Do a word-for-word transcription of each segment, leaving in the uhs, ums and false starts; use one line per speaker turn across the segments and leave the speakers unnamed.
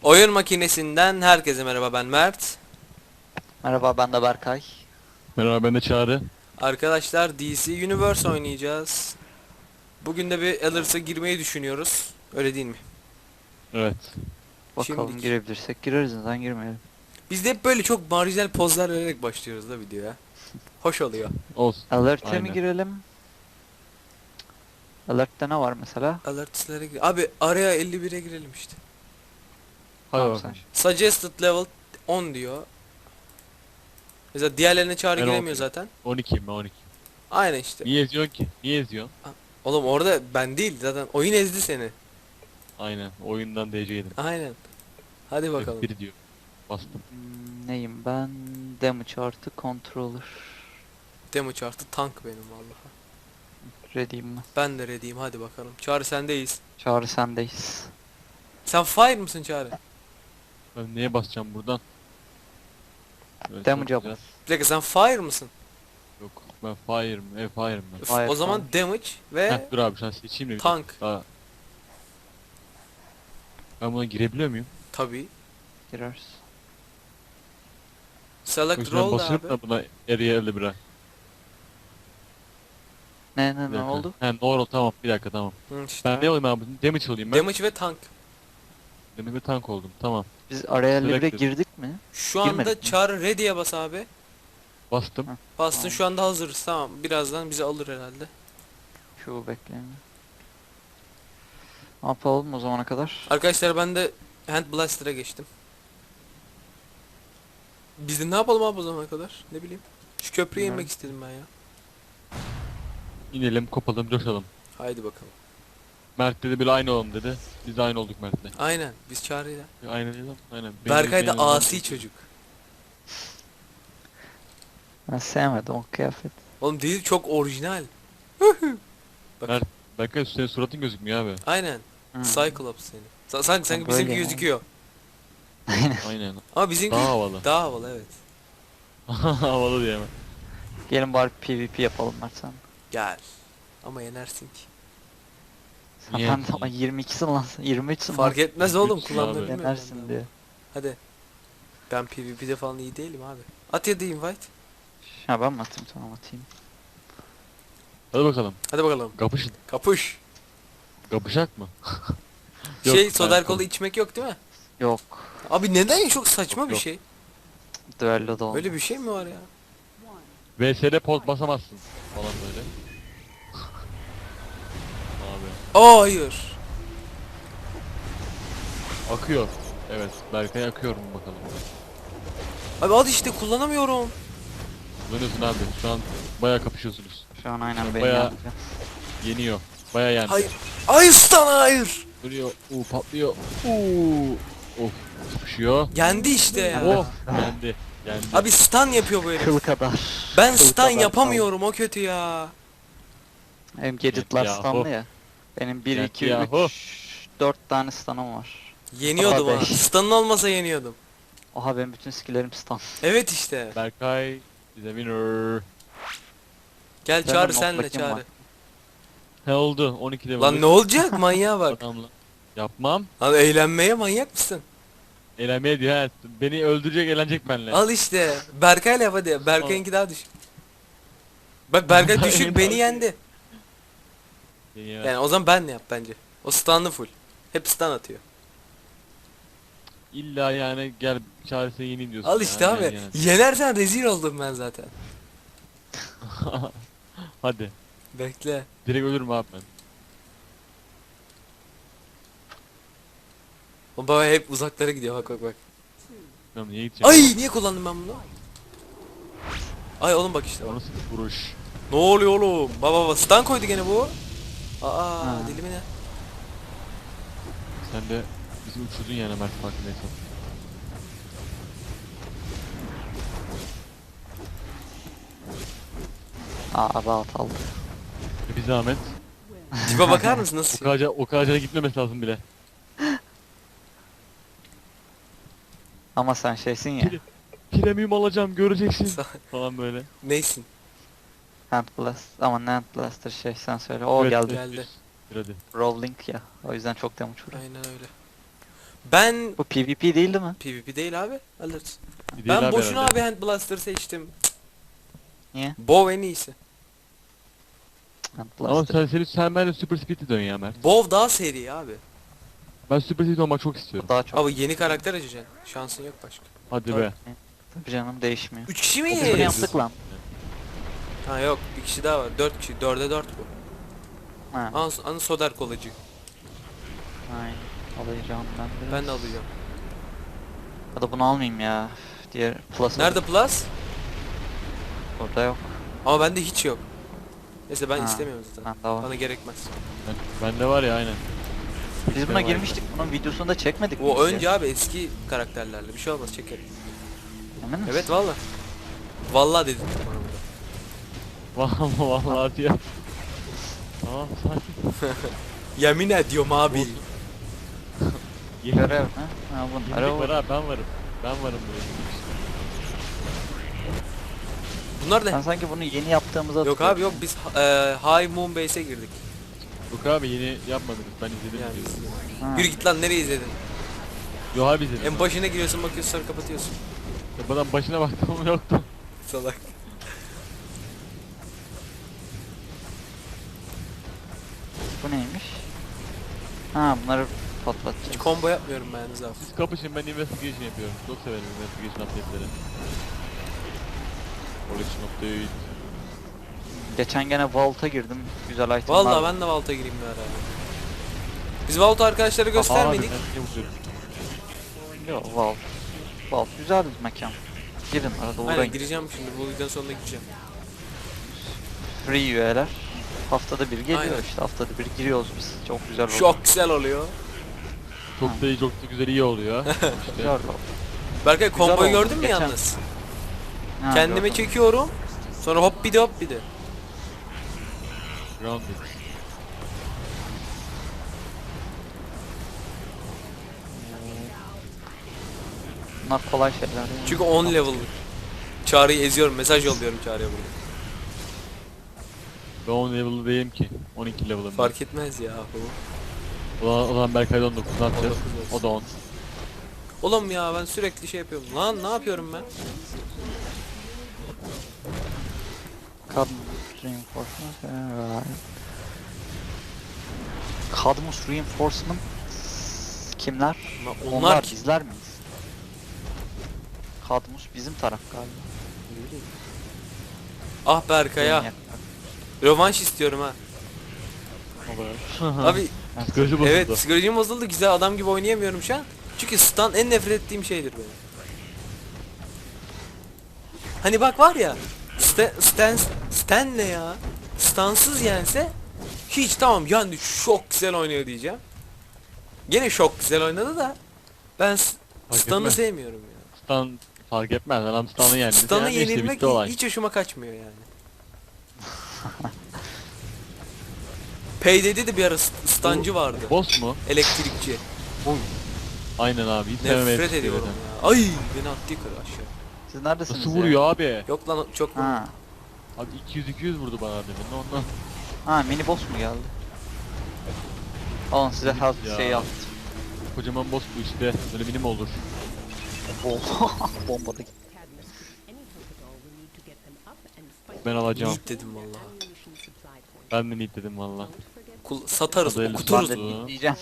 Oyun makinesinden herkese merhaba, ben Mert.
Merhaba, ben de Berkay.
Merhaba, ben de Çağrı.
Arkadaşlar D C Universe oynayacağız. Bugün de bir Elders'a girmeyi düşünüyoruz. Öyle değil mi?
Evet.
Bakalım
Şimdilik.
girebilirsek gireriz, neden girmeyelim.
Biz de hep böyle çok marjinal pozlar vererek başlıyoruz da videoya. Hoş oluyor.
Olsun.
Alert'e mi
Aynen.
girelim? Alert'te ne var mesela?
Alerts'lere gir. Abi araya elli bire girelim işte.
Hadi
Tamam
bakalım.
sen.
Suggested level on diyor. Mesela diğerlerine Çağrı
Ben
giremiyor
on-
zaten.
on ikiyim ben on iki.
Aynen işte.
Niye eziyorsun ki? Niye eziyorsun?
Oğlum orada ben değil zaten. Oyun ezdi seni.
Aynen. Oyundan D C yedim.
Aynen. Hadi bakalım.
F bir diyor. Bastım.
Hmm, neyim ben? Damage artı controller.
Damage artı tank benim vallahi.
Ready'im ben.
Ben de ready'yim, hadi bakalım. Çağrı sendeyiz.
Çağrı sendeyiz.
Sen fire mısın Çağrı?
Ben neye basacağım buradan? Evet,
Damage'a
çok güzel.
bas.
Bir dakika, sen fire mısın?
Yok. Ben fire'ım. E fire'ım ben.
Üf,
Fire,
o zaman damage ve
Heh, dur abi sen seçeyim de bir
tank.
dakika. Daha. Ben buna girebiliyor muyum?
Tabii.
Gireriz.
Select
Yoksa ben
roll da
basıyorum
abi.
da buna eriye elli bire.
Ne ne
Bir
ne
dakika.
oldu?
He doğru tamam bir dakika tamam.
Hı, işte.
Ben ne olayım abi? Damage olayım ben.
Damage ve tank.
Damage ve tank oldum tamam.
Biz araya elli bire
Selected.
girdik mi?
Şu anda
Girmedik mi?
Çağrı ready'ye bas abi.
Bastım.
Heh.
Bastın,
Tamam.
şu anda hazırız, tamam. Birazdan bizi alır herhalde.
Şu bekleyin. Ne yapalım o zamana kadar?
Arkadaşlar ben de Hand Blaster'a geçtim. Biz de ne yapalım abi o zamana kadar? Ne bileyim. Şu köprüye
Bilmiyorum.
inmek istedim ben ya.
İnelim kopalım coşalım.
Haydi bakalım.
Mert dedi böyle aynı olalım dedi. Biz de aynı olduk Mert'le.
Aynen, biz Çağrı'yla.
Aynen öyle. Aynen.
Berkay da
Benim-
asi çocuk.
Ben sevmedim o kıyafet.
Oğlum değil, çok orijinal. Bak.
Mert, Berkay senin suratın gözükmüyor abi.
Aynen.
Hmm.
Cyclops seni. Sa- Sanki sanki
Ha,
bizimki
böyle yani.
gözüküyor.
Aynen.
Aynen.
Ama bizimki
Daha havalı.
daha havalı, evet.
Havalı diye mi?
Gelin bari PvP yapalım Mert sen.
Gel. Ama yenersin ki.
Sen
Niye?
ben de ama yirmi ikisin lan. yirmi üçsün
Fark
lan.
etmez oğlum,
Lütfen
kullanmayı
abi.
bilmiyorum.
Yenersin
ben.
diye.
Hadi. Ben PvP'de falan iyi değilim abi. At ya da invite.
Ha ben mi atayım, tamam atayım.
Hadi bakalım.
Hadi bakalım.
Kapışın.
Kapış.
Kapışak mı? Yok,
Şey,
ben
soda alkolü
kapı-
içmek yok değil mi?
Yok.
Abi neden, çok saçma
Yok,
bir
yok.
şey.
Düello da olmaz.
Öyle bir şey mi var ya?
V S'de pot basamazsın. Falan böyle. Abi.
Aa, hayır.
Akıyor. Evet. Berkay akıyor mu bakalım.
Abi hadi işte, kullanamıyorum.
Dönüyorsun abi. Şu an bayağı kapışıyorsunuz.
Şu an aynen
Sen
beni
bayağı-
yapacak.
Yeniyor. Bayağı yendi.
Hayır. Hayır stun, hayır.
Duruyor. Uuu patlıyor. Uuu. Of. Sıkışıyor.
Yendi işte ya.
Oh. Yendi. Yendi.
Abi stun yapıyor bu herif.
Kıl kadar.
Ben
Kıl
stun
kadar
yapamıyorum, o kötü ya.
kaldı. Benim gadgetlar
Yahu.
stunlı ya. Benim bir,
Yahu.
iki, üç, dört tane stun'ım var.
Yeniyordum
Aa,
ha.
beş.
Stun'ın olmasa yeniyordum.
Oha benim bütün skill'lerim stun.
Evet işte.
Berkay is a winner.
Gel
Ben
Çağrı,
de
senle
notlakim
Çağrı.
var.
He oldu. on iki level.
Lan ne olacak, manyağa bak.
Adamla. Yapmam.
Lan eğlenmeye manyak mısın?
Eğlenmeye diyor ha. Beni öldürecek eğlenecek benimle.
Al işte. Berkay'la yap hadi. Berkay'ınki daha düşük. Bak Berkay düşük, beni yendi.
Ya.
Yani o zaman benle yap bence. O stun'lı full. Hep stun atıyor.
İlla yani gel çaresine yeneyim diyorsun.
Al
ya.
işte
Gel
abi.
yani.
Yenersen rezil oldum ben zaten.
Hadi.
Bekle.
Direkt ölürüm abi ben.
O baba hep uzaklara gidiyor, bak bak bak.
Ben niye gideceğim?
Ay, niye kullandım ben bunu? Ay oğlum bak işte.
O
Bak.
nasıl bir vuruş?
Ne oluyor oğlum? Baba baba stun koydu gene bu. Aa,
Ha.
dilimi ne?
Sen de bizi uçurdun yani Mert farkındaysan.
Aa rahat aldı.
Bir zahmet.
Tipe bakar mısın
O
nasıl şey?
kadar, o kadar gitmemesi lazım bile.
Ama sen şeysin ya.
Pire- Premium alacağım göreceksin.
Sa-
Falan böyle.
Neysin?
Hand Blast. Ama ne Hand Blaster şey sen söyle. O
Evet,
geldi.
Geldi.
Bir hadi.
Rolling ya. O yüzden çok damage vuruyor.
Aynen öyle. Ben
Bu PvP değil mi?
PvP değil abi. Alırız.
Bir değil
Ben
abi
boşuna
herhalde.
abi Hand Blaster seçtim.
Niye?
Bow en iyisi.
Hand
Ama
Blaster.
sen, sen, sen bence Super Speed'e dön ya Mert.
Bow daha seri abi.
Ben Super Speed olmak çok
Bu
istiyorum.
daha çok.
Abi yeni karakter açacaksın. Şansın yok başka.
Hadi
Tabii.
be.
Tabii canım değişmiyor.
üç kişi
Biz bunu
miyiz?
yaptık lan.
Ha yok, bir kişi daha var. dört kişi. dörde dört bu.
Ha,
An, an Soder kolacı.
aynen. Alacağım ben biraz.
Ben de alacağım.
Ya da bunu almayayım ya. Diğer Plus
Nerede Plus?
Burada yok.
Ama bende hiç yok. Neyse ben
Ha,
istemiyorum zaten.
Bende var.
Bana gerekmez.
Ben, bende var ya aynen.
Biz buna
var.
girmiştik. Bunun videosunu da çekmedik mi
O
biz ya?
önce abi eski karakterlerle bir şey olmaz çekerim.
Emin misin?
Evet valla. Valla dedim bana burada.
Vallahi vallahi diyor. Tamam sakin.
Yemin ediyorum abi.
Olsun.
Görev mi? Ha bunlar
Yenilik var
o.
abi ben varım. Ben varım böyle.
Bunlar
Ben
da
sanki bunu yeni yaptığımızda
yok abi yok biz e, High Moon Base'e girdik.
Yok abi yeni yapmadınız ben izledim.
Yani
videoyu.
biz-
Ha.
Yürü git lan nereye izledin?
Yok abi izledim.
En başına giriyorsun bakıyorsun sonra kapatıyorsun.
Ya bana başına baktım yoktu.
Salak.
Bu neymiş? Ha bunları
Hiç
patlatacağız.
combo yapmıyorum ben yalnız abi.
Siz kapışın ben investigation yapıyorum. Çok severim investigation update'leri. Collection update.
Geçen gene Vault'a girdim. Güzel itemler.
Vallahi ben de Vault'a gireyim bir ara. Biz Vault'u arkadaşlara göstermedik.
Abi ben niye vuruyorum?
Yok Vault. Vault güzel bir mekan. Girin arada
Aynen
uğrayın.
gireceğim şimdi bu videonun sonunda gireceğim.
Free üyeler. Haftada bir geliyor
Aynen.
işte haftada bir giriyoruz biz. Çok güzel oluyor.
Çok güzel oluyor.
Çok da iyi çok da güzel iyi oluyor.
Güzel
işte.
oldu.
Berkay komboyu
oldu.
gördün mü
Geçen-
yalnız?
Ha,
Kendime
gördüm.
çekiyorum. Sonra hop bir de hop bir de.
Grounded.
Bunlar kolay şeyler yani.
Çünkü on level. Çağrı'yı eziyorum. Mesaj yolluyorum Çağrı'ya burada.
Ben on level'lı değilim ki. on iki level'ım.
Fark etmez ya.
O zaman, o zaman Berkay'da on dokuz ne yapacağız?
on dokuz olsun.
O da on.
Oğlum ya ben sürekli şey yapıyorum. Lan ne yapıyorum ben?
Cadmus Reinforcement. Right. Cadmus Reinforcement kimler?
Lan
Onlar,
onlar kim?
bizler miyiz? Cadmus bizim taraf galiba.
Ah Berkay'a.
Benim
Rövanş istiyorum ha.
Olur.
Abi
Psikoloji bozuldu.
evet psikolojim bozuldu. Güzel adam gibi oynayamıyorum şu an. Çünkü stun en nefret ettiğim şeydir benim. Hani bak var ya. Stan, Stan, Stan ne ya? Stansız yense hiç tamam yani çok güzel oynuyor diyeceğim. Gene çok güzel oynadı da ben s-
Fark
Stan'ı
etmez.
sevmiyorum ya.
Stan fark etmez. Adam Stan'ı yendi.
Stan'ı
Yani işte
yenilmek
bitti olay.
hiç hoşuma kaçmıyor yani. Payday'de de bir ara st- stancı vardı.
Boss mu?
Elektrikçi.
Aynen abi. Hiç sevmemeye
Nefret ediyorum ya. Ay beni attı yukarı aşağı.
Siz neredesiniz
Nasıl
ya?
vuruyor abi?
Yok lan çok
Ha.
Abi iki yüz iki yüz vurdu bana demin. Ondan.
Ha mini boss mu geldi? Alın size
Mini
health
ya.
şey yaptım.
Kocaman boss bu işte. Böyle minim olur.
Bomba da gitti.
Ben alacağım.
Yiğit dedim vallahi.
Ben de need dedim valla.
Kul satarız,
Adaylı
okuturuz.
Ben de
Turuz.
diyeceğim.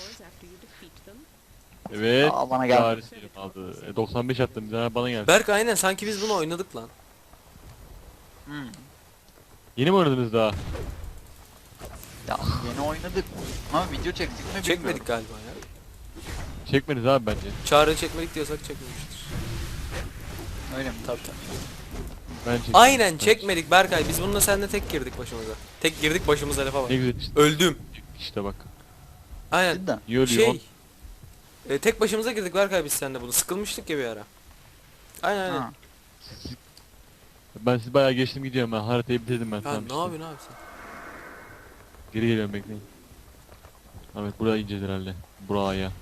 Evet.
Aa, bana geldi.
Paris diyelim aldı. E, doksan beş attım. Bir tane bana geldi.
Berk aynen sanki biz bunu oynadık lan.
Hmm.
Yeni mi oynadınız daha?
Ya yeni oynadık. Ama video çektik mi bilmiyorum.
Çekmedik galiba ya.
Çekmediniz abi bence.
Çağrı çekmedik diyorsak çekmemiştir.
Öyle mi?
Tabii tabii.
Ben çektim.
Aynen
Ben
çekmedik Berkay. Biz bununla seninle tek girdik başımıza. Tek girdik başımıza lafa bak.
Ne güzel işte.
Öldüm.
İşte bak.
Aynen.
Cidden.
İyi ölüyor.
Şey. E, tek başımıza girdik Berkay biz seninle bunu. Sıkılmıştık ya bir ara. Aynen aynen.
Ha.
Siz- Ben siz bayağı geçtim gidiyorum ben. Haritayı bitirdim ben.
Ya
tamam
ne
işte.
yapıyorsun abi sen?
Geri geliyorum bekleyin. Evet buraya ineceğiz herhalde. Buraya.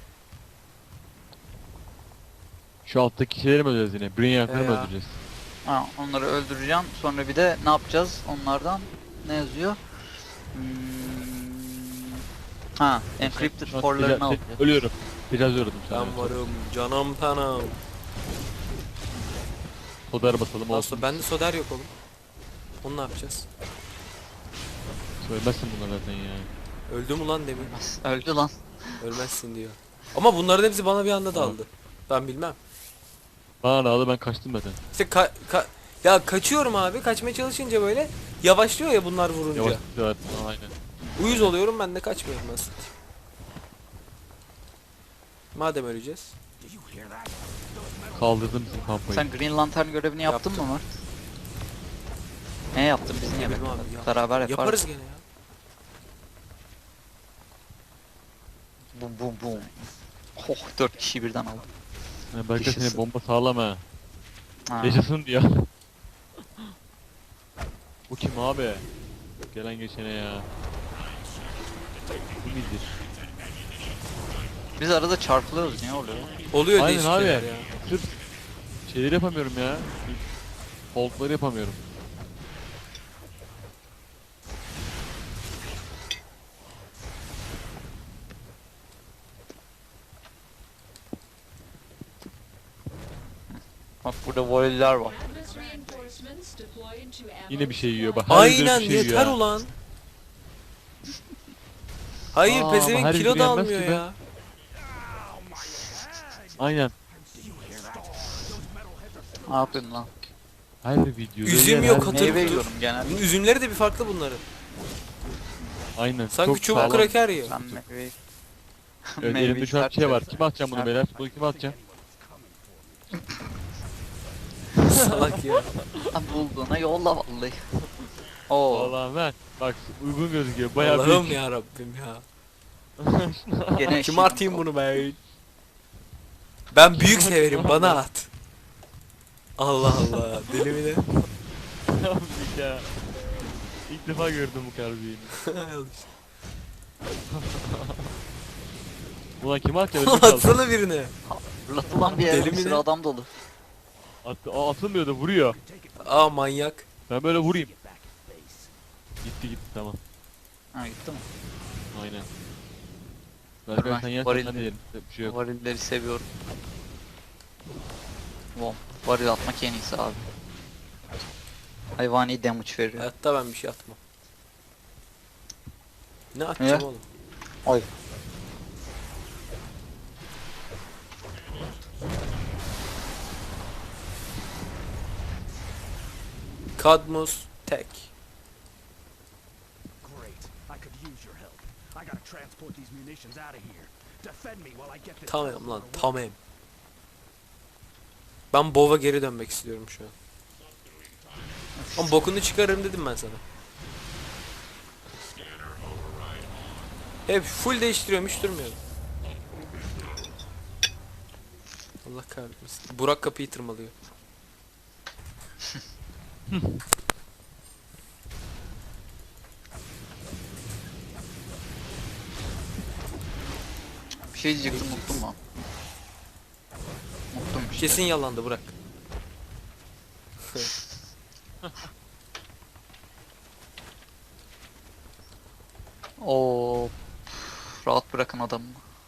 Şu alttaki şeyleri mi öldüreceğiz yine? Brainiac'ları mı
Ya.
öldüreceğiz?
Ha, onları öldüreceğim. Sonra bir de ne yapacağız onlardan? Ne yazıyor? Hmm, Ha, encrypted
Şu an
for'larını al.
teca- Ölüyorum. Tecavüz uğradım sana.
Ben varım canım tanım.
Soder basalım olsun.
Nasıl bende soder yok oğlum. Onu ne yapacağız?
Söylemezsin bunlar zaten ya.
Öldü mü lan demin?
Öldü lan.
Ölmezsin diyor. Ama bunların hepsi bana bir anda daldı. Ben bilmem.
Bana ne aldı, ben kaçtım zaten.
İşte ka- ka- ya kaçıyorum abi. Kaçmaya çalışınca böyle yavaşlıyor ya bunlar vurunca.
Yavaş gidiyorlar. Aynen.
Uyuz oluyorum, ben de kaçmıyorum nasıl. Madem öleceğiz.
Kaldırdım bizim kampayı.
Sen Green Lantern görevini yaptın
Yaptım.
mı Mert? Ne yaptın biz niye
bileyim
beklemedik?
abi ya.
Beraber yaparız.
Yaparız gene ya.
Bum bum bum. Oh, dört kişi birden aldım.
Yani belki
Yaşasın.
seni bomba sağlama.
Ha.
Yaşasın diyor. Bu kim abi? Gelen geçene ya. Bu nedir?
Biz arada çarpılıyoruz, niye oluyor?
Oluyor
Aynen
değişik
abi.
şeyler ya.
Sırf şeyleri yapamıyorum ya. Hold'ları yapamıyorum.
Bak burada voleyler var.
Yine bir şey yiyor bak. her videoda
Aynen
bir şey yiyor
yeter
ha.
ulan. Hayır
Aa, ama
pezevenk
her
kilo
video
da
yenmez
almıyor
ki be.
ya.
Aynen.
Ne yapıyorsun lan?
Her videoda
Üzüm
yer,
yok,
her-
hatır-
Meyve yiyorum genelde.
Bunun üzümleri de bir farklı bunların.
Aynen.
Sanki
çok
çubuk
sağlam.
kraker yiyor.
Ben meyveyi...
Evet,
Meyveyi
elimde şu an
sert
şey var.
seviyorum.
Kime atacağım bunu
Sert.
beyler? Bunu kime atacağım?
Salak ya.
Ha, bulduğuna yolla vallahi. Oo,
Vallahi ben. Bak uygun gözüküyor. Bayağı
Allah'ım
büyük.
ya Rabbim ya.
gene
Kime atayım bunu be? Ben büyük severim, bana at. Allah Allah, deli mi ne?
Büyük ya. İlk defa gördüm bu kadar büyüğünü. Ulan kime atacağım? Ödüm kaldı.
Atsana birine.
Fırlatılan bir
Deli
yere
mi
bir sürü
ne?
adam dolu.
Attı, aa, atılmıyor da vuruyor.
Aa manyak.
Ben böyle vurayım. Gitti gitti tamam.
Ha gitti mi?
Aynen. Belki
Ben
sen yersen
varil-
ben de yerim. Bir şey yok.
Varilleri seviyorum. Wow, varil atmak en iyisi abi. Hayvani damage veriyor.
Hayatta ben bir şey atmam. Ne atacağım
Ne?
oğlum?
Ay.
Cadmus tek.
Great. I could use your help. I gotta transport these munitions out of here. Defend me while I get this.
Tamam lan, tamam. Ben Bov'a geri dönmek istiyorum şu an. Ama bokunu çıkarırım dedim ben sana. Hep full değiştiriyorum, hiç durmuyorum. Allah kahretmesin. Burak kapıyı tırmalıyor.
Bir şey diyecektim, unuttum lan. Unuttum işte.
Kesin yalandı Burak.
Oo. Rahat bırakın adamı.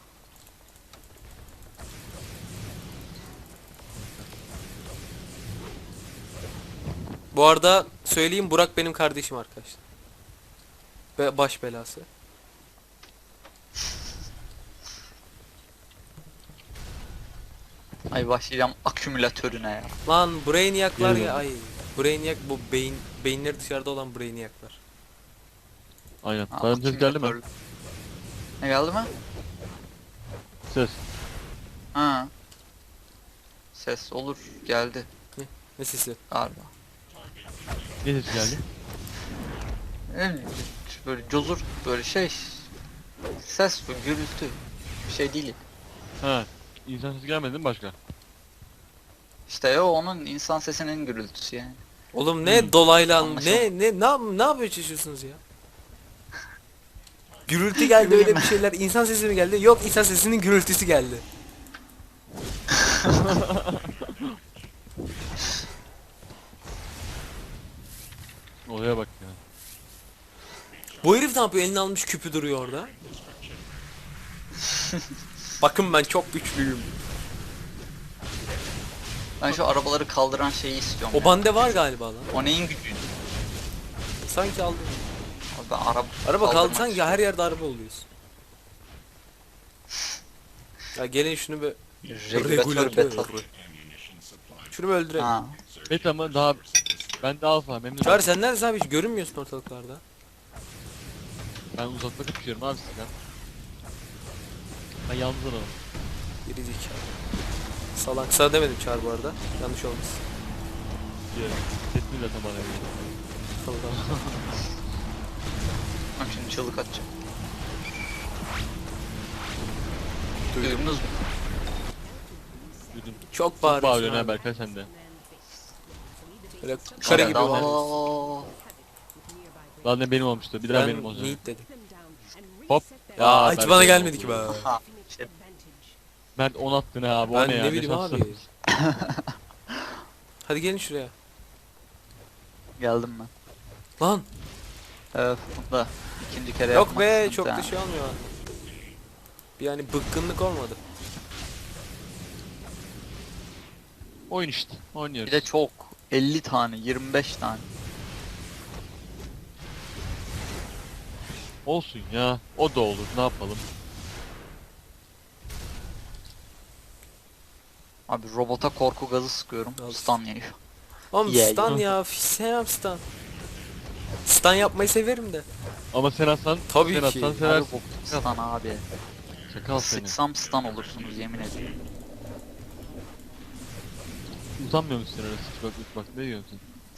Bu arada söyleyeyim, Burak benim kardeşim arkadaşlar. Ve baş belası.
Ay başlayacağım akümülatörüne ya.
Lan Brainiac'lar
Geri
ya,
dön.
ay. Brainiac bu beyin beyinleri dışarıda olan Brainiac'lar.
Aynen.
Ha,
Bana ses geldi mi?
akümülatör. Ne geldi mi?
Ses.
Ha. Ses olur, geldi
Ne sesi?
galiba.
Ne ses geldi?
Ne bileyim, böyle cozur böyle şey. Ses bu, gürültü. Bir şey değil.
Ha. İnsan sesi gelmedi mi başka?
İşte o onun insan sesinin gürültüsü yani.
Oğlum ne
Hmm.
dolaylı an-
Anlaşıldı.
ne ne ne yap- ne yapıyor çalışıyorsunuz ya? Gürültü geldi, öyle bir şeyler. İnsan sesi mi geldi? Yok, insan sesinin gürültüsü geldi.
Olaya bak ya.
Bu herif ne yapıyor? Elini almış, küpü duruyor orada. Bakın ben çok güçlüyüm.
Ben şu arabaları kaldıran şeyi istiyorum.
O
ya.
bende var galiba lan.
O neyin gücü?
Sanki aldım.
Abi ben araba
Araba kaldı
kaldırmak
sanki
istiyorum.
her yerde araba oluyoruz. Ya gelin şunu bir
Regülatör beta.
Şunu bir öldürelim.
Ha.
Beta mı daha ben de alfa memnun
Çağrı
oldum.
sen neredesin abi, hiç görünmüyorsun ortalıklarda.
Ben uzakta kapışıyorum abi sizden. Ben yalnız adamım.
Geri zekalı. Salak. Sana demedim Çağrı bu arada. Yanlış olmasın.
Diyorum. Sesini zaten bana veriyor.
Allah.
Bak şimdi çığlık atacağım.
Duydum.
Duydunuz mu?
Duydum.
Çok
Çok
bağırıyorsun
bağırıyorsun ha
abi.
Berkay sen de.
Böyle kare gibi
Allah
var.
Allah.
Daha ne benim olmuştu. Bir daha benim
Ben
olacak.
Neat dedim.
Hop.
Ya
Aa,
hiç
Berkay
bana
oldu.
gelmedi ki be.
Ha. Şey,
Mert on attın ha abi. O
Ben
ne ya?
ne
Ne
bileyim
şansı.
abi. Hadi gelin şuraya.
geldim ben.
Lan
Evet, da ikinci kere
yok
yapmak
be,
sıkıntı
çok
ha.
da şey olmuyor. Bir yani bıkkınlık olmadı.
Oyun işte. Oynuyoruz.
Bir de çok. elli tane, yirmi beş tane.
Olsun ya. O da olur. Ne yapalım?
Abi robota korku gazı sıkıyorum.
Al.
Stun yiyor.
Oğlum
Yeah,
stun
yeah.
ya. Sevmem stun. Stun yapmayı severim de.
Ama sen atsan,
Tabii
sen
ki.
atsan
Abi
seversin.
bok stun abi.
Çakal seni.
Sıksam stun olursunuz yemin ederim.
Utanmıyor musun sen öyle sıç bak bak ne diyorsun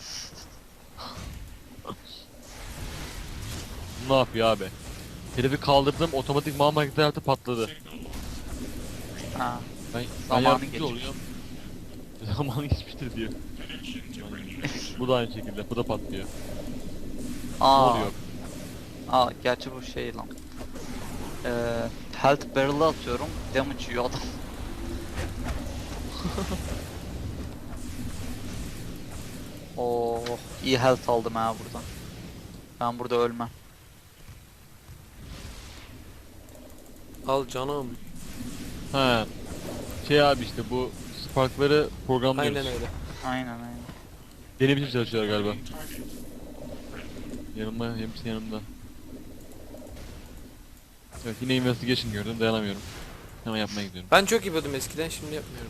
sen? Ne yapıyor abi? Herifi kaldırdım otomatik mal makinesi patladı.
Ha.
Ben, ben
Zamanı
yardımcı
geçmiş.
oluyorum. Zamanı geçmiştir diyor. Bu da aynı şekilde. Bu da patlıyor. Ne
Aa.
oluyor?
Aa gerçi bu şey lan. Ee, health barrel'ı atıyorum. Damage yiyor adam. Oh, iyi health aldım ha buradan. Ben burada ölmem.
Al canım.
He. Şey abi işte bu sparkları programlıyoruz.
Aynen öyle.
Aynen aynen.
Benim için çalışıyorlar galiba. Yanımda, hepsi yanımda. Evet yine investigation gördüm dayanamıyorum. Hemen yapmaya gidiyorum.
Ben çok yapıyordum eskiden, şimdi yapmıyorum.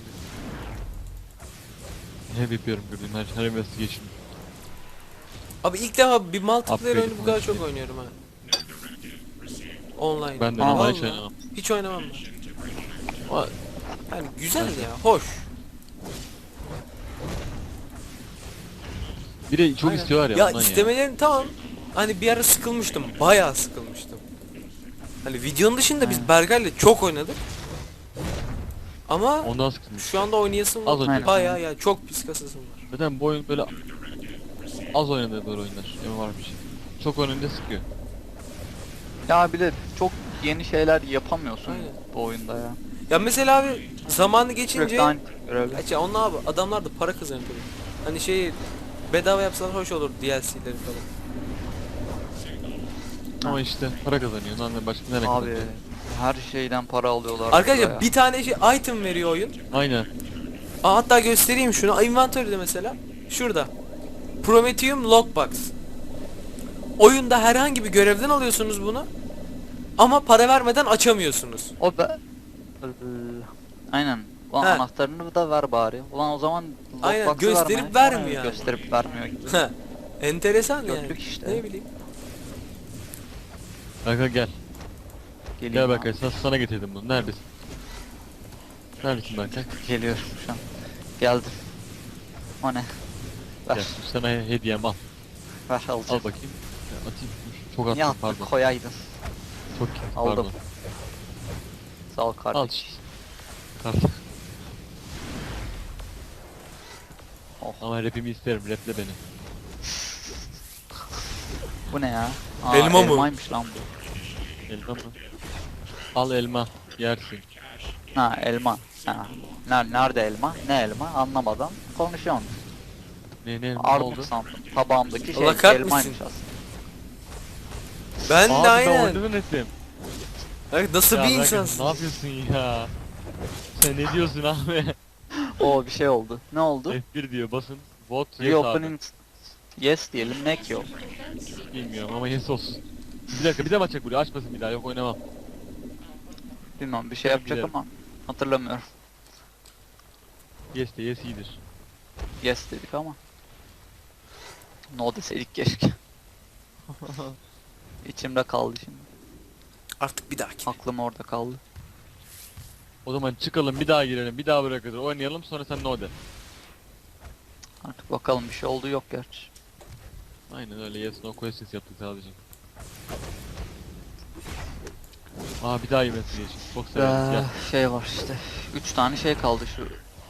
Hep yapıyorum gördüğüm her, her investigation.
Abi ilk defa bir multiplayer
Upgrade
oyunu bu kadar çok
multiplayer.
oynuyorum ha. Online.
Ben de
Aa,
normal hiç
vallahi.
oynamam.
Hiç oynamam ben. Ama yani güzel ya, hoş.
Bir de çok
Aynen.
istiyorlar ya,
Ya
ondan
istemelerin tamam. Hani bir ara sıkılmıştım. Bayağı sıkılmıştım. Hani videonun dışında biz
Aynen.
Berkay'la çok oynadık. Ama
Ondan sıkılmış.
şu anda oynayasım
Az
var.
önce.
Bayağı ya, çok pis kasasım var.
Zaten bu oyun böyle az oynadığı böyle oyunlar. Emin var bir şey. Çok oynayınca sıkıyor.
Ya bir de çok yeni şeyler yapamıyorsun
Aynen.
bu oyunda ya.
Ya mesela abi zamanı geçince
Sürekli aynı görevler.
Gerçi onlar abi, adamlar da para kazanıyor tabii. Hani şey bedava yapsalar hoş olur D L C'leri falan.
Ama işte para kazanıyor. Lan ne başka nereye
Abi
kazanıyor?
her şeyden para alıyorlar. burada
Arkadaşlar
ya.
bir tane şey item veriyor oyun.
Aynen.
Aa, hatta göstereyim şunu. Inventory'de mesela. Şurada. Prometheum Lockbox. Oyunda herhangi bir görevden alıyorsunuz bunu. Ama para vermeden açamıyorsunuz.
O be... Aynen. Ulan
He.
anahtarını da ver bari. Ulan o zaman
Aynen,
lockbox'ı
gösterip
verme.
vermiyor
Aynen,
yani.
Gösterip vermiyor gibi.
Enteresan yani.
Gördük işte.
Ne bileyim.
Berkay gel.
Geleyim
Gel
abi.
Berkay sana, sana getirdim bunu. Neredesin? Neredesin Berkay?
Geliyorum şu an. Geldim. O ne? Ver.
Gel. Sana he- hediyem al.
Ver
Al
alacağım.
bakayım. Ya, atayım. Dur, çok
Niye
attım
attın
pardon.
koyaydın.
Çok
Aldım.
pardon.
Sağ ol
Al
kardeş.
işte. Kart.
Oh.
Ama rapimi isterim. Raple beni.
Bu ne ya? Aa,
Elma mı?
Elmaymış lan bu.
Elma mı? Al elma. Yersin.
Ha elma. Ha. Ner nerede elma? Ne elma? Anlamadan konuşuyorsun.
Ne ne, ne oldu?
Armut sandım. Tabağımdaki şey
Allah kahretmesin.
elmaymış aslında.
Ben
Abi
de
ben
aynen.
oynadım ettim.
Bak nasıl
Ya
bir
bırak,
insansın.
ne yapıyorsun ya? Sen ne diyorsun abi?
O bir şey oldu. Ne oldu?
F bir diyor basın. Vote yes abi.
Reopening yes diyelim, neck yok.
Bilmiyorum ama yes olsun. Bir dakika bir de açacak buraya, açmasın bir daha, yok oynamam.
Bilmem bir şey
Ben
yapacak
bilirim.
ama hatırlamıyorum.
Yes de yes iyidir.
Yes dedik ama. No deseydik keşke. İçimde kaldı şimdi.
Artık bir dahaki.
Aklım orada kaldı.
O zaman çıkalım, bir daha girelim, bir daha buraya kadar oynayalım, sonra sen no de.
Artık bakalım, bir şey oldu yok gerçi.
Aynen öyle, yes no questions yaptık sadece. Aa bir daha investigation. Çok severiz
Ee,
gel.
şey var işte. Üç tane şey kaldı şu.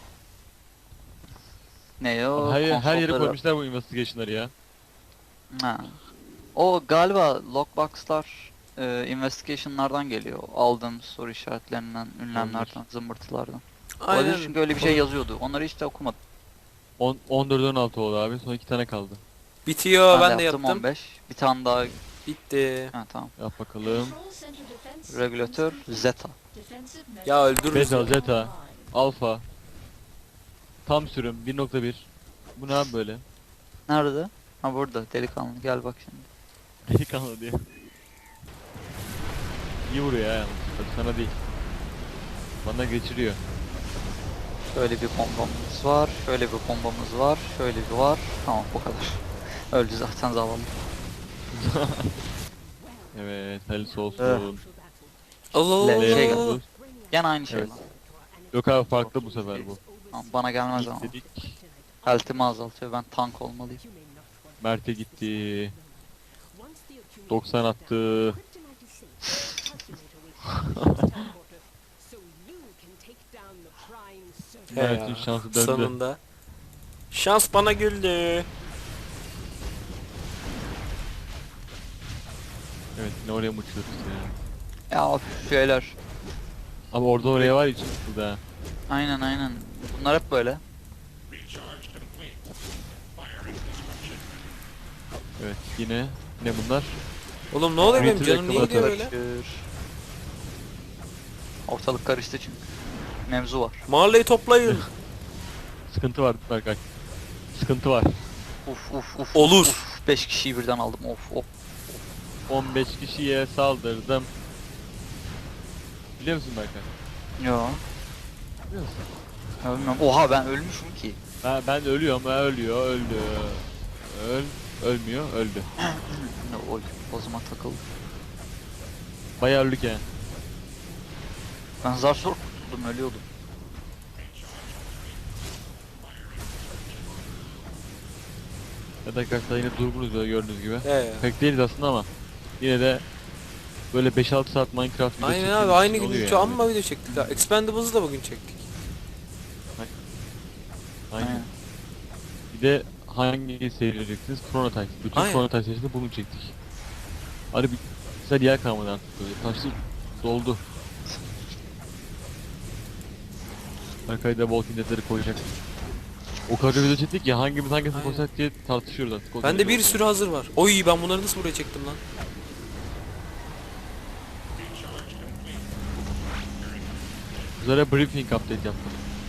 Ne o?
Her, her yere
Konsolları-
koymuşlar bu investigation'ları ya.
Ha. O galiba lockbox'lar e, investigation'lardan geliyor. Aldığım soru işaretlerinden, ünlemlerden, zımbırtılardan. Olabilir
Aynen.
çünkü öyle bir şey yazıyordu. Onları hiç de okumadım.
on, on dört on altı oldu abi, son iki tane kaldı.
Bitiyor, ben, de
yaptım
yaptım.
on beş. Bir tane daha.
Bitti.
Ha tamam.
Yap bakalım.
Regülatör Zeta.
Ya öldürürüz.
Beta,
ya.
Zeta, Alpha. Tam sürüm bir nokta bir. Bu ne abi böyle?
Nerede? Ha burada delikanlı, gel bak şimdi.
Delikanlı diye. İyi vuruyor ya yalnız. Bak sana değil. Bana geçiriyor.
Şöyle bir bombamız var, şöyle bir bombamız var, şöyle bir var. Tamam bu kadar. Öldü zaten zavallı.
Evet, hayırlısı olsun.
Evet.
Allah Allah
Le- şey
Allah.
Geldi.
Allah.
Gene aynı şey
Evet.
lan.
Yok abi, farklı bu sefer bu.
Tamam, bana gelmez ama.
İlk dedik.
Health'imi azaltıyor, ben tank olmalıyım.
Mert'e gitti. doksan attı.
He
Mert'in
ya,
şansı döndü.
sonunda. Şans bana güldü.
Evet, yine oraya mı uçuyoruz ya?
Ya of, şeyler.
Abi orada oraya var ya, için burada ha.
Aynen aynen. Bunlar hep böyle.
Evet, yine ne bunlar?
Oğlum ne oluyor benim
Twitter
canım niye
reklamı
gidiyor böyle?
Karışır. Ortalık karıştı çünkü. Mevzu var.
Mahalleyi toplayın.
Sıkıntı var Berkay. Sıkıntı var.
Uf uf uf.
Olur.
Uf, beş kişiyi birden aldım. Of of.
on beş kişiye saldırdım. Biliyor musun Berkay?
Yo.
Biliyor musun?
Ya bilmiyorum. Oha ben ölmüşüm ki.
Ben, ben ölüyorum, ben ölüyor, öldü. Öl, ölmüyor, öldü.
Ne oy. O zaman takıldı.
Bayağı öldük yani.
Ben zar zor kurtuldum, ölüyordum.
Evet arkadaşlar, yine durgunuz böyle gördüğünüz gibi.
He ya.
Pek değiliz aslında ama yine de böyle beş altı saat Minecraft video
Aynen
çektiğimiz
abi, aynı
için
gün
oluyor
üç
yani.
amma video çektik ha. Expendables'ı da bugün çektik.
Aynen.
Aynen.
Bir de hangi seyredeceksiniz? Chrono Trigger. Bütün
Aynen.
Chrono Trigger serisinde bunu çektik. Hadi bir güzel yer kalmadı artık böyle. Taşlı doldu. Arkaya da Walking Dead'leri koyacak. O kadar video çektik ya, hangimiz hangisini
Aynen.
koysak diye tartışıyoruz artık. O
Bende
derece
bir
oldu
sürü hazır var. Oy, ben bunları nasıl buraya çektim lan?
Üzere briefing update yaptım.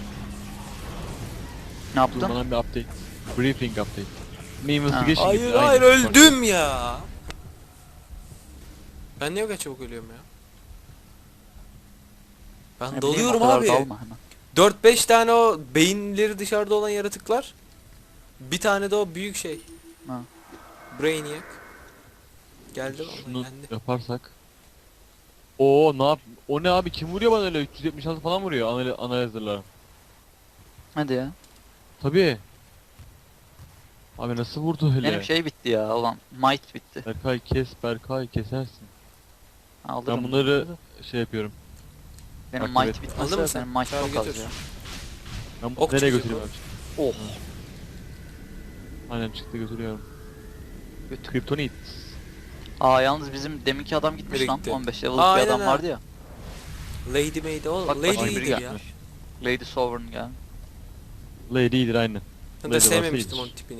Ne yaptın?
Durmadan bir update. Briefing update. Ne investigation
Hayır
gibi,
hayır
aynı.
öldüm ya. Ben niye o kadar çabuk ölüyorum ya? Ben
Ne bileyim,
dalıyorum
o kadar
abi.
dalma hemen.
dört beş tane o beyinleri dışarıda olan yaratıklar. Bir tane de o büyük şey.
Ha.
Brainiac. Geldi vallahi
Şunu
geldi.
yaparsak. Oo ne yap? O ne abi, kim vuruyor bana öyle? üç yüz yetmiş altı falan vuruyor anal analyzer'lar.
Hadi ya.
Tabii. Abi nasıl vurdu öyle?
Benim şey bitti ya ulan. Might bitti.
Berkay kes, Berkay kesersin.
Alırım.
Ben bunları şey yapıyorum.
Benim
Takip
might
et.
bitmezse
Aldın mı sen?
benim might
Çağır
çok az
götür.
ya.
Ben
Ok
nereye
çıkacak
götüreyim
o.
abi?
Oh.
Aynen çıktı, götürüyorum.
Götür.
Kryptonit.
Aa yalnız bizim deminki adam gitmiş
Nereye
lan.
gitti?
on beş level
Aa,
bir
aynen
adam
ha.
vardı ya.
Lady Maid o.
Bak, bak,
Lady
biri
iyidir ya.
gelmiş. Lady Sovereign gel.
Lady iyidir aynen.
Ben
Lady
de
varsa
sevmemiştim
iyidir.
onun tipini.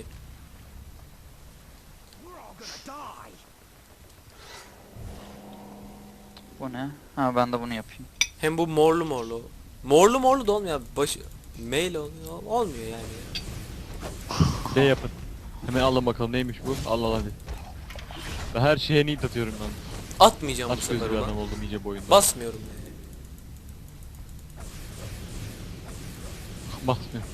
We're all gonna die.
Bu ne? Ha ben de bunu yapayım.
Hem bu morlu morlu. Morlu morlu da olmuyor abi. Başı mail oluyor. Olmuyor yani.
Şey yapın. Hemen alın bakalım neymiş bu. Allah Allah hadi. Ben her şeye need atıyorum ben.
Atmayacağım bu
Aç gözlü
sefer
bir
ulan.
adam oldum iyice bu oyunda.
Basmıyorum yani.
Basmıyor.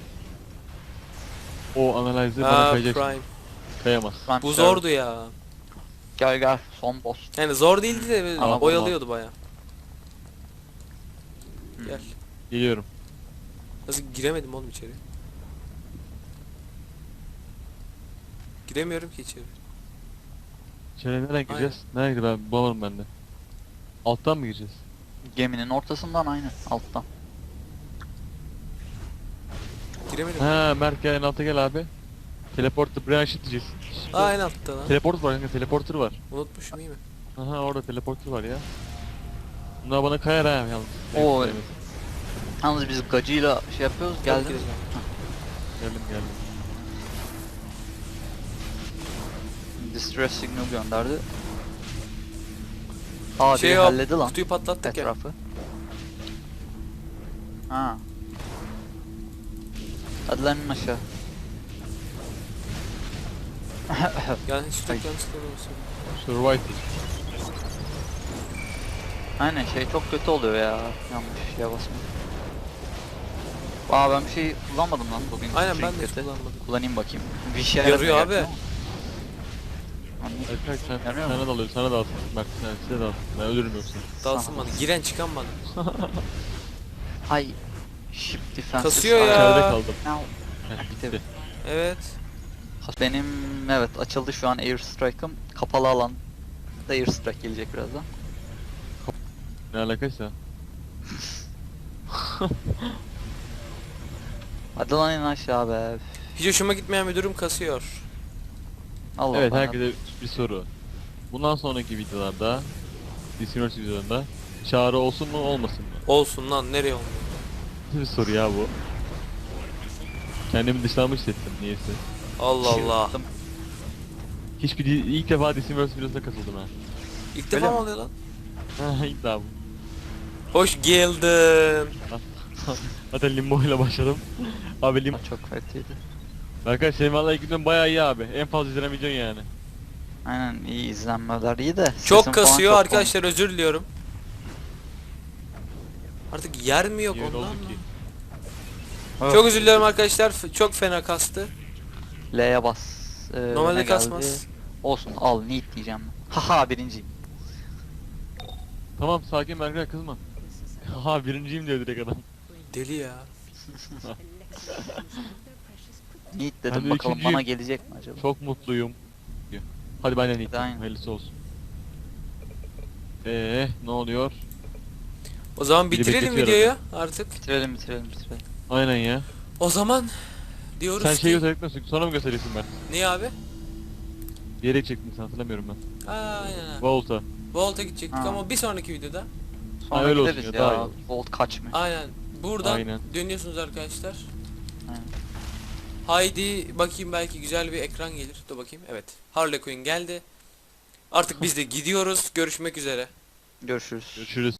O analize bana
Aa,
kayacaksın.
Prime.
Kayamaz.
Ben
Bu
server-
zordu ya.
Gel gel son boss.
Yani zor değildi de
Ama
oyalıyordu baya.
Hmm.
Gel.
Geliyorum.
Nasıl giremedim oğlum içeri? Giremiyorum ki içeri.
İçeri nereden gireceğiz? Nereye gireceğiz ben bulamadım ben de. Alttan mı gireceğiz?
Geminin ortasından aynı alttan.
Giremedim.
Ha Mert gel en alta gel abi. Teleporter branch diyeceğiz.
Aa en altta lan.
Teleport var kanka teleporter var.
Unutmuşum iyi mi?
Aha orada teleporter var ya. Bunlar bana kayar ha yalnız.
Oo.
Evet,
Yalnız biz gacıyla şey yapıyoruz geldiniz mi?
geldim geldim.
Distress signal gönderdi. Aa
Şey
biri
yap,
halledi lan
kutuyu patlattık ya.
etrafı. Ha. Hadi lan in aşağı.
Yani hiç çok yanlış görmüyorsun.
Survivor.
Aynen şey çok kötü oluyor ya. Yanlış şeye basma. Aa ben bir şey kullanmadım lan bugün.
Aynen ben de hiç
Trinket'i.
kullanmadım.
Kullanayım bakayım. Bir şey
Yarıyor
yaramıyor
abi.
gerçi ama. Anladım.
Erkek sen,
Yarıyor mu?
sana dalıyor sana dalsın. Mert sen size dalsın. Ben ölürüm yoksa.
Dalsın bana. Giren çıkan bana.
Ay. Ship defense.
Kasıyor ya.
İçeride kaldım.
Now.
Heh,
Bitti.
bitti.
Evet.
Benim evet açıldı şu an airstrike'ım. Kapalı alan da airstrike gelecek birazdan.
Ne alakaysa.
Hadi lan in aşağı be.
Hiç hoşuma gitmeyen bir durum kasıyor.
Allah
Evet
Allah.
herkese bir soru. Bundan sonraki videolarda, Discord videolarında çağrı olsun mu olmasın mı?
Olsun lan nereye olmuyor?
Bir soru ya bu. Kendimi dışlanmış hissettim niyeyse.
Allah Allah.
Çıktım.
Hiçbir di- ilk defa Discord videosuna katıldım ha.
İlk
Öyle
defa mı
mi?
oluyor lan?
Ha ilk daha bu.
Hoş geldin.
Zaten limbo ile başladım. Abi limbo.
Çok kötüydü.
Arkadaşlar senin valla ilk günden bayağı iyi abi. En fazla izlenen videon yani.
Aynen iyi izlenmeler iyi de. sesim
Çok
falan
kasıyor
çok
arkadaşlar özür diliyorum. Artık yer mi yok
İyi
ondan
oldu
mı?
ki.
komik.
Çok özür diliyorum arkadaşlar. F- Çok fena kastı.
L'ye bas. Ee,
Normalde
ne geldi?
kasmaz.
Olsun al neat diyeceğim. Haha birinciyim.
Tamam sakin Berkay kızma. Ha birinciyim diyor direkt adam.
Deli ya.
Neat
Ben
dedim
de
bakalım
üçüncüyüm.
bana gelecek mi acaba?
Çok mutluyum. diyor. Hadi ben de niyeyim.
Aynen.
Hayırlısı olsun. Eee ne oluyor?
O zaman
Biri
bitirelim
bekletiyor
videoyu artık.
Bitirelim bitirelim bitirelim.
Aynen ya.
O zaman diyoruz
Sen
ki...
şeyi göstermek sonra mı gösteriyorsun ben?
Niye abi?
Bir yere çektin sen hatırlamıyorum ben.
Aynen abi.
Volta.
Volt'a gidecektik
Ha.
ama bir sonraki videoda.
Sonra
öyle olsun
gideriz
ya, daha iyi
ya.
olur.
Volt kaç mı?
Aynen. Buradan
Aynen.
dönüyorsunuz arkadaşlar.
Aynen.
Haydi bakayım belki güzel bir ekran gelir. Dur bakayım. Evet. Harley Quinn geldi. Artık biz de gidiyoruz. Görüşmek üzere.
Görüşürüz.
Görüşürüz.